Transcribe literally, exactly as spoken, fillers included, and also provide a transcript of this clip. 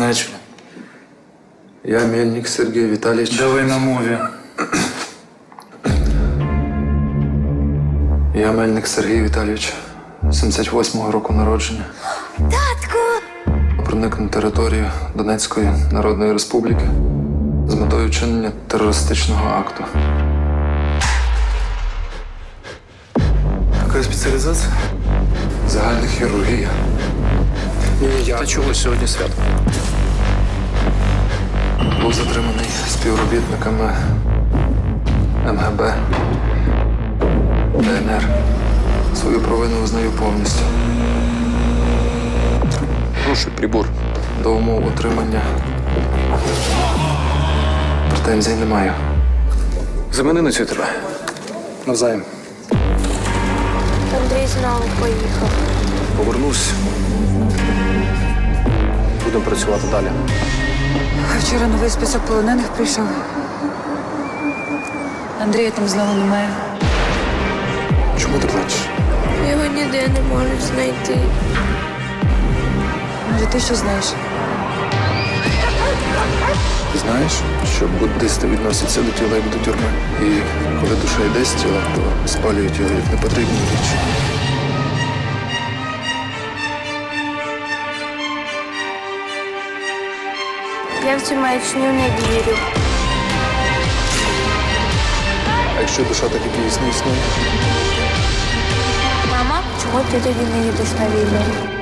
Начали. Я Мельник Сергій Віталійович. Давай на мові. Я Мельник Сергій Віталійович, сімдесят восьмого року народження. Татку! Проник на територію Донецької Народної Республіки з метою вчинення терористичного акту. Яка спеціалізація? Загальна хірургія. Ні, я Та чого сьогодні свято? був затриманий співробітниками ем ге бе, де ен ер. Свою провину визнаю повністю. Прошу прибор. До умов отримання претензій не маю. Замени на цю тебе. Навзаєм. Андрій знову поїхав. Повернусь. Будемо працювати далі. А вчора новий список полонених прийшов. Андрія там знову немає. Чому ти плачеш? Його ніде не можуть знайти. Може, ти що знаєш? Ти знаєш, що буддисти відносяться до тіла як до тюрми. І коли душа йде з тіла, то спалюють його як непотрібні речі. Я в цю маячню не вірю. А якщо душа так і дійсно існує? Мама, чого ти тоді не їдеш на війну?